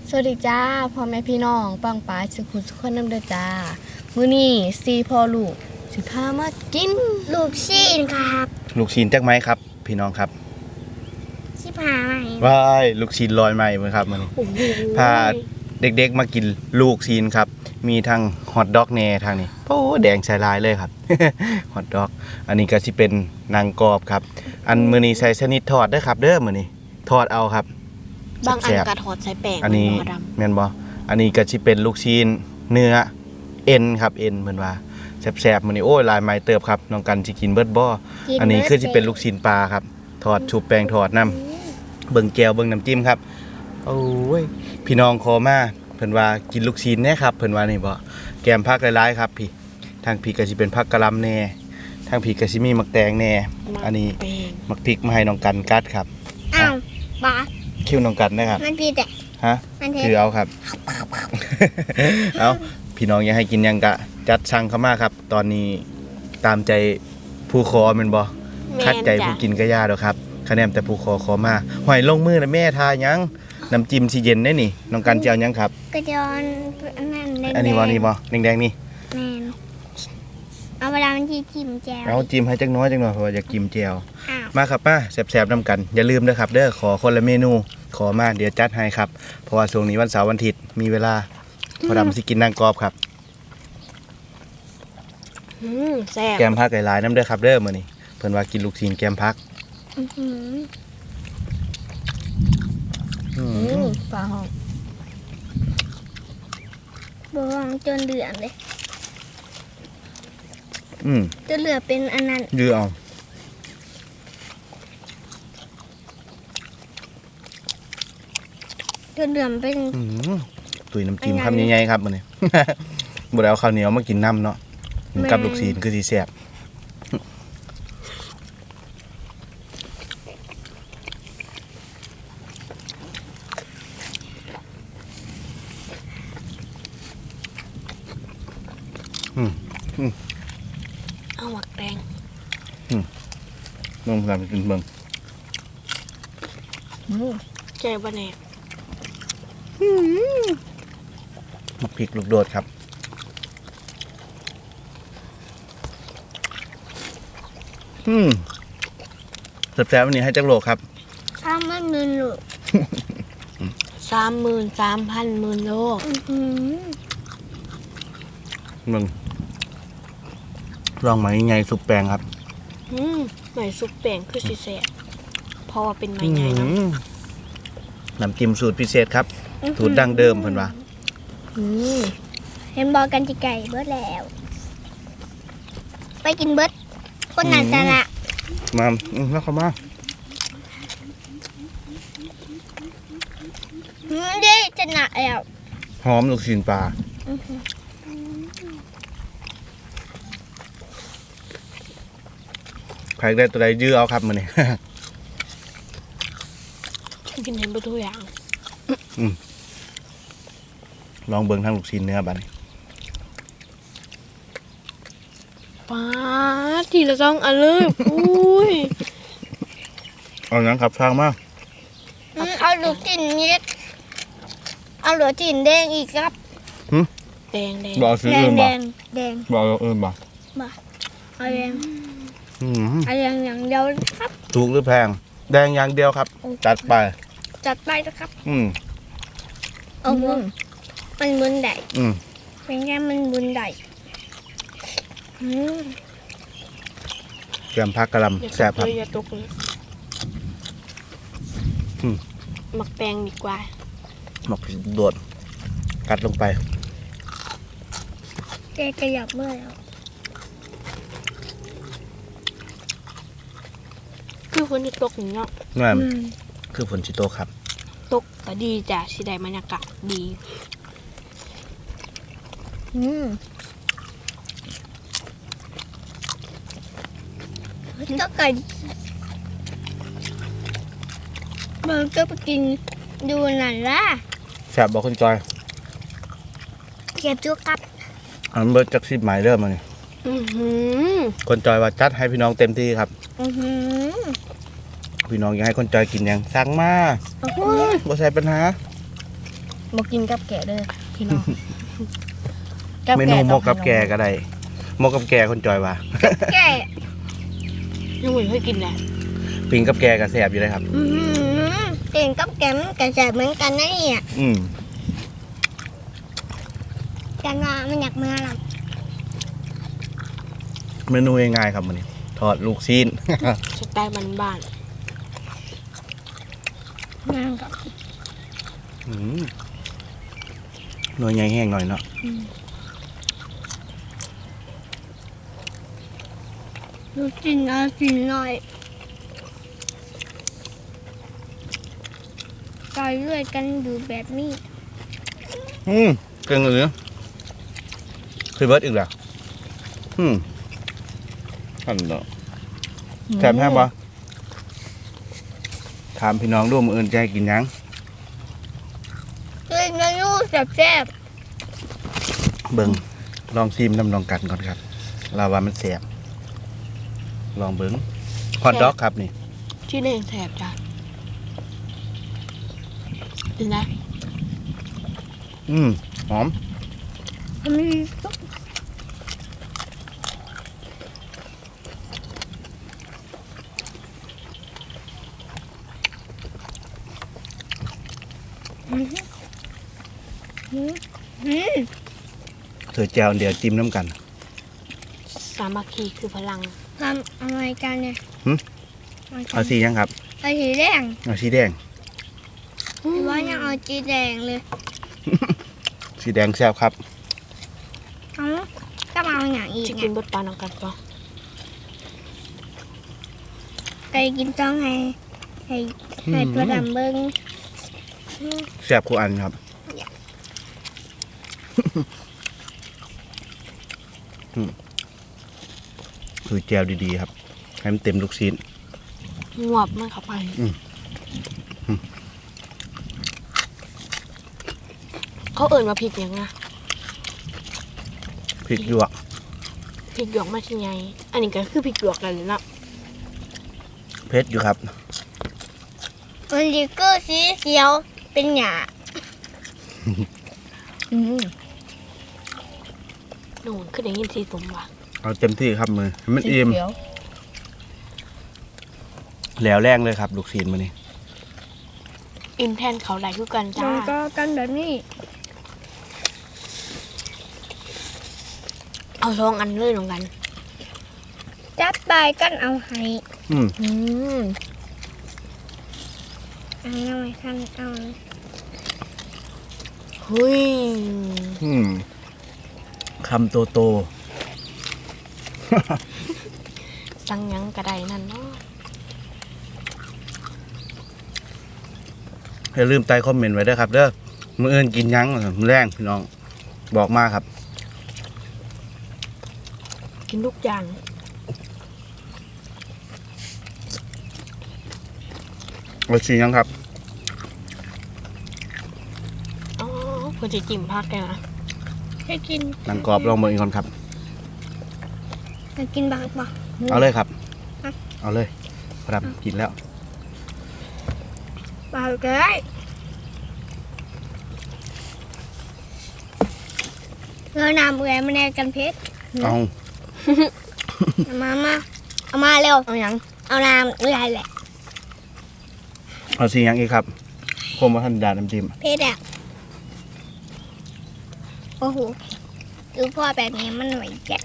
สวัสดีจ้าพ่อแม่พี่น้องปังปายสุขุสุขคนน้ำเด้อจ้ามื้อนี้ซีพ่อลูกสิพามากินลูกชิ้นครับลูกชิ้นจักไหมครับพี่น้องครับชิพาไหมว้ายลูกชิ้นลอยไหมมั้ยครับมื้อนี้พาเด็กๆมากินลูกชิ้นครับมีทั้งฮอทดอกแหน่ทางนี้โอ้แดงใส่ลายเลยครับ ฮอทดอกอันนี้ก็สิเป็นนางกรอบครับอันมื้อนี้ใส่ชนิดทอดเด้อครับเด้อมื้อนี้ทอดเอาครับบางอันกระถอดใส่แป้งอันนี้บ่ดำแม่นบ่อันนี้ก็สิเป็นลูกชิ้นเนื้อเอ็นครับเอ็นเพิ่นว่าแซ่บๆมื้อนี้โอ้ยลายไม้เติบครับน้องกันสิกินเบิดบ่อันนี้คือสิเป็นลูกชิ้นปลาครับทอดชุบแป้งทอดน้ำเบิ่งแก้วเบิ่งน้ำจิ้มครับโอ้ยพี่น้องขอมาเพิ่นว่ากินลูกชิ้นแน่ครับเพิ่นว่านี่บ่แกมผักหลายๆครับพี่ทางพี่ก็สิเป็นผักกะหล่ำแน่ทางพี่ก็สิมีมักแตงแน่อันนี้มักพริกมาให้น้องกันกัดครับอ้าวบาสคิ้วน้องกันนะครับมันพีแต่ฮะมันเทคือเอาครับ เอาพี่น้องอยากให้กินหยังกะจัดสั่งเข้ามาครับ ตอนนี้ตามใจผู้ขอแม่นบ่คัดใจผู้กินก็ยากดอกครับคะแนนแต่ผู้ขอมาหอยลงมือนะแม่ทาหยังน้ำจิ้มสิเย็นได้นี่น้องกันสิเอาหยังครับกระจอนนั่นแดงอันนี้บ่นี่บ่แดงๆนี่แมนเอาเวลามันที่จิ้มแจวเอาจิ้มให้จักหน้อยเพราะว่าอยากกินแจ่วอ้าวมาครับมาแซ่บๆนำกันอย่าลืมเด้อครับเด้อขอคนละเมนูขอมาเดี๋ยวจัดให้ครับเพราะว่าช่วงนี้วันเสาร์วันอาทิตย์มีเวลาพอดำสิกินนางกรอบครับแซ่บแกมพักหลายๆน้ำเด้อครับเด้อมื้อนี้เพิ่นว่ากินลูกชิ้นแกมพักอื้อหือปลาหอมบวงจนเหลืองเลยอืมจนเหลือเป็นอันนั้นยื้อเอาจนเหลืองเป็นตุยน้ำจิ้มอันนั้นคำใหญ่ๆครับมื้อนี้ บ่ได้เอาข้าวเหนียวมากินน้ำเนาะกินกับแม่ลูกชิ้นคือสิแซ่บอืมเอาหมักแดงลองทำกินเบิ่งใจบ่แน่มักพริกลูกโดดครับแซ่บๆวันนี้ให้จักโลครับถ้ามันมึนหลุด 33,000หมื่นโลอื้อหือมึงลองไหมใหญ่สุกแปลงครับไหมซุปแป้งคือสิแซ่บเพราะว่าเป็นไม้ใหญ่เนาะน้ำจิ้มสูตรพิเศษครับสูตรดั้งเดิมเพิ่นว่าเห็นบอกกันจิไก่เบิดแล้ว ไปกินเบิดคนนั้นจะละมาแล้วเข้ามาเด้จะหนักแล้วหอมลูกชิ้นปลาใครได้ตัวใดยื้อเอาครับมื้อนี้กินเห็นบ่ทุกอย่างลองเบิ่งทางลูกชิ้นเนื้อบัดนี้ป้าดทีละ2อันเลยอุ้ยเอาหยังครับฟังมาเอาลูกจินเม็ดเอาลูกจินแดงอีกครับแดงบ่เอาซื้อแดอื่งนแดบ่งแดงบ่เอาอื่นบ่เอาแดงอืมเอาแดงอย่างเดียวครับถูกหรือแพง แดงอย่างเดียวครับ จัดไปจัดไปนะครับอืมเอาพวกมันบุญใดอืมเป็นแค่มันบุญใดแกมผักกะหล่ำแซ่บครับอย่าตกเลยอืมหมักแตงดีกว่าหมกโดดกัดลงไปแกขยับเมื่อแล้วคือคนที่ตกนี่เนาะนั่นคือฝนชิโตครับตกก็ดีจ้ะสิได้บรรยากาศดีถ้าเกิดมันก็ไปกินดูนั่นล่ะแซ่บบอกคุณจอยเก็บจุกครับอันเบิร์ดจักสิบหมายเริ่มมานี่ คนจอยว่าจัดให้พี่น้องเต็มที่ครับ พี่น้องอยากให้คนจอยกินหยังสั่งมาบ่ใช่ปัญหาบ่กินกับแกะเด้อพี่น้องเมนูหมกกับแกก็ได้หมกกับแกคนจอยว่าแก่ยังไม่เคยกินเลยปิงกับแกก็แซ่บอยู่เลยครับเก่งกับแกมนกับแสบเหมือนกันนะเนี่ยอืมกันว่ามันอยากมาหรอเมนูง่ายๆครับมื้อนี้ทอดลูกชิ้นสไตล์บ้านมันกับหน่วยใหญ่แห้งหน่อยเนาะดูจินเอาสินหน่อยต่อยด้วยกันอยู่แบบนี้เก่งเลยคือเบิร์ดอีกแล้วอันเนาะๆแซ่บแห้งปะถามพี่น้องร่วมออื่นใจกินหยังเลยเมนูแซ่บเบิ่งลองชิมน้ำลองกันก่อนครับเราว่ามันแซ่บลองเบิ่งฮอทดอกครับนี่ที่เล่นแสบจ้ะกินนะหอมๆมันมีซุปเธอแจวเดี๋ยวจิ้มน้ำกันสามัคคีคือพลังทำอะไรกันเนี่ยเอาสียังครับเอาสีแดงเอาสีแดงหรือว่ายังเอาสีแดงเลยสีแดงแซ่บครับเอาก็มาเอาอย่างอีกจะกิเนี่นยบดปลาน้องกันปะไก่กินจ้องให้ตัวดำเบิ้งแซ่บคู่อันครับ คือแจวดีๆครับ ให้มันเต็มลูกชิ้นงวบมันเข้าไปเขาเอิ่นมาพริกยังไงพริกหยวกพริกหยวกมาที่ไงอันนี้ก็คือพริกหยวกกันเลยเนาะเพชรอยู่ครับมันดีก็สีเขียวเป็นหยาหนูคือได้ยินสีสมว่ะเอาเต็มที่ครับมือให้มันอิ่มเขียวแล้วแรงเลยครับ ลูกชิ้นมานี่อิ่มแทนเขาไหลคือกันจ้ามันก็กันแบบนี้เอาช่องอันเลยน้องกันจับไปกันเอาให้อืมเอาหน่อยท่านเอาเฮ้ยคำโตโตสั่งหยังกระไดนั่นเนาะอย่าลืมใต้คอมเมนต์ไว้ด้วยครับเด้อมื้ออื่นกินหยังมื้อแรงพี่น้อง บอกมาครับกินทุกอย่างเอาสีหยังครับอ๋อเพื่อจะจิ้มพักกันนะให้กินหนังกรอบลองเบิ่งอีกคนครับให้กินบักบ่เอาเลยครับอ่ะเอาเลยพรับกินแล้วบักได้เรานำแหวนมาแนกันเพชรเอาเอามาเร็วเอาหยังเอาน้ำเอื่อยแหละเอาสีหยังอีกครับผมว่าท่านดาน้ำจิ้มเพชรอะโอ้โหดูพ่อแบบนี้มันไหวแจ๊ะ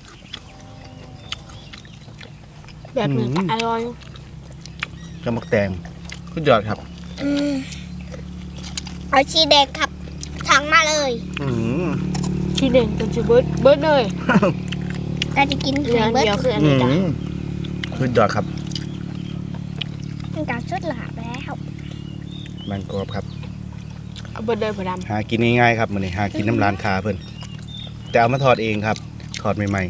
แบบนี้ก็อร่อยกระมักแตงขึ้นยอดครับเอาชีแดงครับสั่งมาเลยที่เด่นจนจะเบิร์ดเลยก็จะกินเหลืออันเบิร์เดียวดคืออันนี้จ้ะขึ้นยอดครับมันก็สุดหลาบแล้วมันกรอบครับเอาเบิร์ดเลยพอดหากินง่ายๆครับมื้อนี้หากินน้ำร้านค้าเพิ่นแต่เอามาทอดเองครับทอดใหม่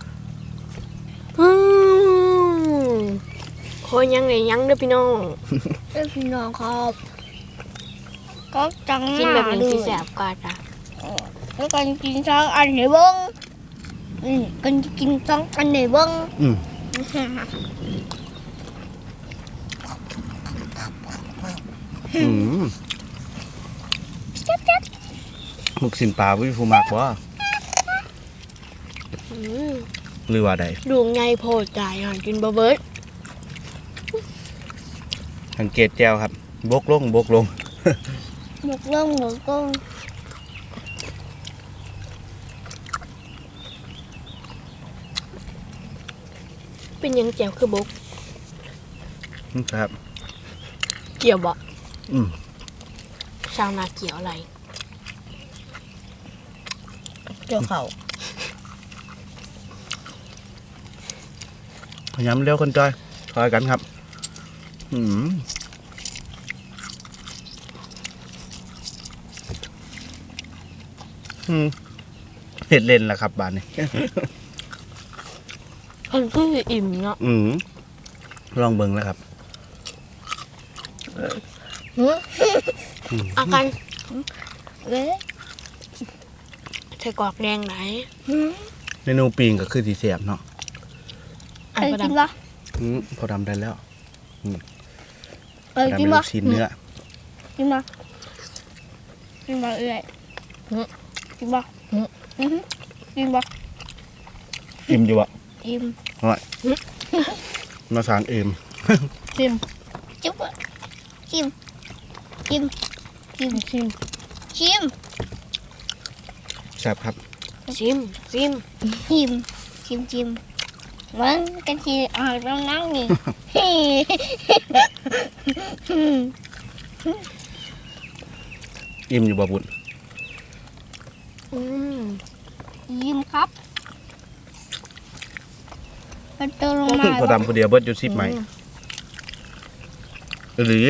ำคอยยังไงยังเด้อพี่น้องเพื่อนพี่น้องครับก็จังกินแบบนี้ดูสิแสบกว่าจ้ะแล้วกันกินสองอันในเบิ้งกันกินสองอันในเบิ้งๆอืมลูกชิ้นปลาวิฟูมากบ่อืมหรือว่าใดดูไงโพดจ่ายหากินบ่เบิดสังเกตแก้วครับบกลงหมกลงหมกลงเป็นหยังแจ๋วคือบกครับเกี่ยวบ่อืมชาวนาเกี่ยวอะไรเกี่ยวเขาพยายามเร็วคนจอยคอยกันครับ อืมเห็ดเล่นแล้วครับบ้านนี้มันคืออิ่มเนาะลองเบิ่งแล้วครับอาการเอ้ยใส่กรอกแดงไหนเมนูปิงก็คือสีเสียบเนาะอันเอ้ยประกินดำบ่พอทำได้แล้วเอ้ยทำกินเป็นบ่ลูกชิ้นเนื้อกินบ่กินบ่เอ้ยกินบ่กินบ่อิ่มอยู่อะอิ่มมาสารอิ่มชิมจุ๊บชิมชิมชิมชิมชิมแซ่บครับชิมชิมชิมชิมมันกันทีออกตรงนั้นนี่อิ่มอยู่บ่บุญอืมยิ้มครับมันเติมลงมาพอทำคนเดียวเบิดอยู่10 ใหม่หรือ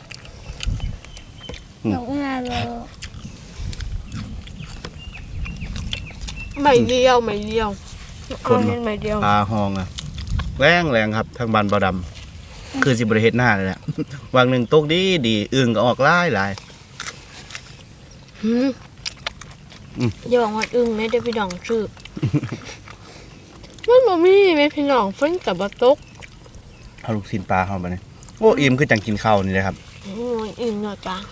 ลงมาเลยไม่เดียวไม่เดียวเอาเล่นไม่เดียวปลาหองอะแรงครับทางบ้านเบาดำคือสิบริเฮ็ดหน้าเลยแหละ วางหนึ่งตกดีอึ่งก็ออกหลายหืมอืมอย่าบอกว่าอึ้งแม่ได้พี่น้องชื่อ มันบ่มีแม่พี่น้องเพิ่นกับบ่ตกเอาลูกชิ้นปลาเข้ามาเนี่ยโอ้อิ่มคือจังกินข้าวนี่เลยครับโอ้ยอึ้งเนาะจ้า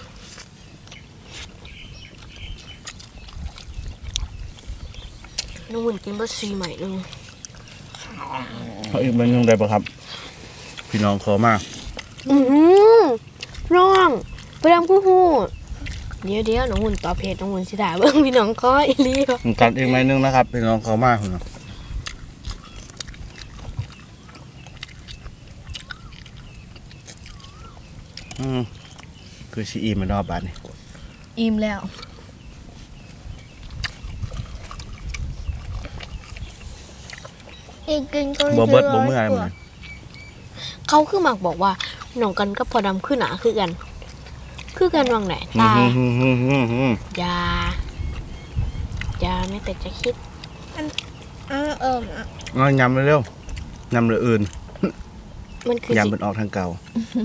น้องหุ่นกินบ่ซีใหม่นึงเอาอีกมันยังได้ปะครับ พี่น้องขอมาอือร้องไปดำกูฮู้เดี๋ยวน้องหุ่นตอบเพจน้องหุ่นสิได้เบิ่งพี่น้องก้อยอีหลีบ่กันอีกไหมนึงนะครับ พี่น้องขอมาคือชีอิ่มมันรอบบาทนี่อิ่มแล้วกินกินก็บ่เบิดบ่เมื่อยมันเขาคือมักบอกว่าน้องกันกับพอดำคือหนาคือกันวางไหนแต่อย่าไม่แต่จะคิดเอายำเร็วๆยำเหลืออื่นมันคือยำเป็นออกทางเก่า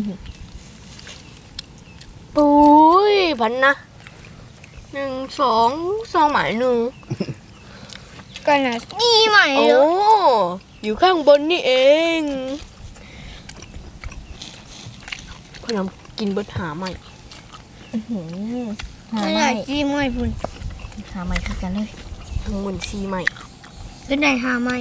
ปุ้ยพันนะ1 2 หมายหนึ่งก่อนนะนี่ใหม่โอ้เลยอยู่ข้างบนนี่เองพอดำกินเบิดหาใหม่หาไม่ใหได้ม่จีใหม่พุ่นหาใหม่คือกันเลยทั้งหมดซีใหม่ก็ได้หาใหม่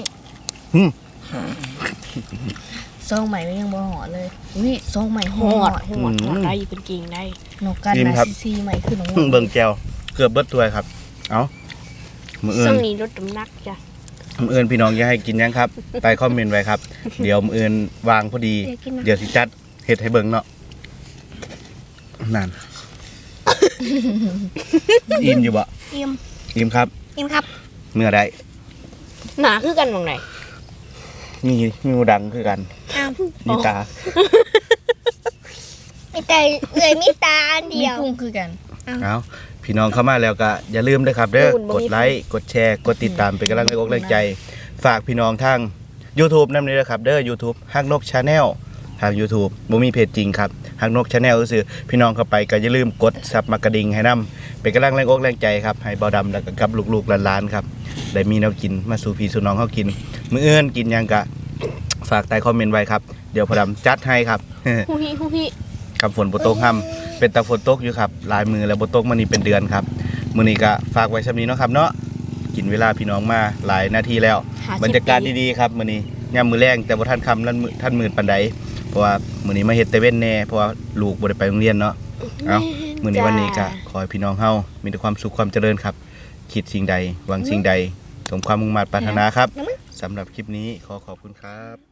ซองใหม่ก็ยังบ่หอเลยอุ้ยซองใหม่หหออดดได้อยู่เป็นเก่งได้นกกันอิ่มนะครับ ซีใหม่คือน้องเบิ่งแก้วเกือบเบิดถ้วยครับ เอามืออื่ซึ่นงนี้ลดน้ำหนักจ้ะมื้ออื่นพี่น้องอยากให้กินยังครับ ไปคอมเมนต์ไว้ครับ เดี๋ยวมื้ออื่นวางพอดีเดี๋ยวกินนะเดี๋ยวสิจัดเฮ็ดให้เบิ่งเนาะนั่น อิ่มอยู่บ่อิ่มอิ่มครับอิ่มครับเมื่อใดหนาคือกันวางไหนมีหูดังคือกันอ้าวมีตามีแต่เลยมีตาอันมีเดียวพุงคือกันเอาพี่น้องเข้ามาแล้วก็อย่าลืมด้วยครับเด้อกดไลค์กดแชร์กดติดตามเป็นกำลังแรงใจ ฝากพี่น้องทาง YouTube นำเลยนะครับเด้อ YouTube ฮักนก Channel ทาง YouTube บ่มีเพจจริงครับฮักนก Channel ก็คือพี่น้องเข้าไปก็อย่าลืมกดซับมากระดิ่งให้นํเป็นกำลังแรงใจครับให้เบาดำแล้วก็กับลูกๆหลานๆครับได้มีแนวกินมาสู่พี่สู่น้องเฮากินมื้ออื่นกินหยังกะฝากใต้คอมเมนต์ไว้ครับเดี๋ยวพอดำจัดให้ครับฮู้ฮิคำฝนบตกห้ำเป็นตะฝนตกอยู่ครับหลายมือแล้วบตกมานี่เป็นเดือนครับมื้อนี้ก็ฝากไว้ซำนี้เนาะครับเนาะกินเวลาพี่น้องมาหลายนาทีแล้ว 50 บรรยากาศดีๆครับมื้อนี้ยามมื้อแลงแต่บ่ทันค่ำท่านมืดปานใดเพราะว่ามื้อนี้มาเฮ็ดแต่เว้นแน่เพราะว่าลูกบ่ได้ไปโรงเรียนเนาะเอ้ามื้อนี้วันนี้ก็ขอให้พี่น้องเฮามีแต่ความสุขความเจริญครับคิดสิ่งใดหวังสิ่งใดสมความมุ่งมั่นปรารถนาครับสำหรับคลิปนี้ขอขอบคุณครับ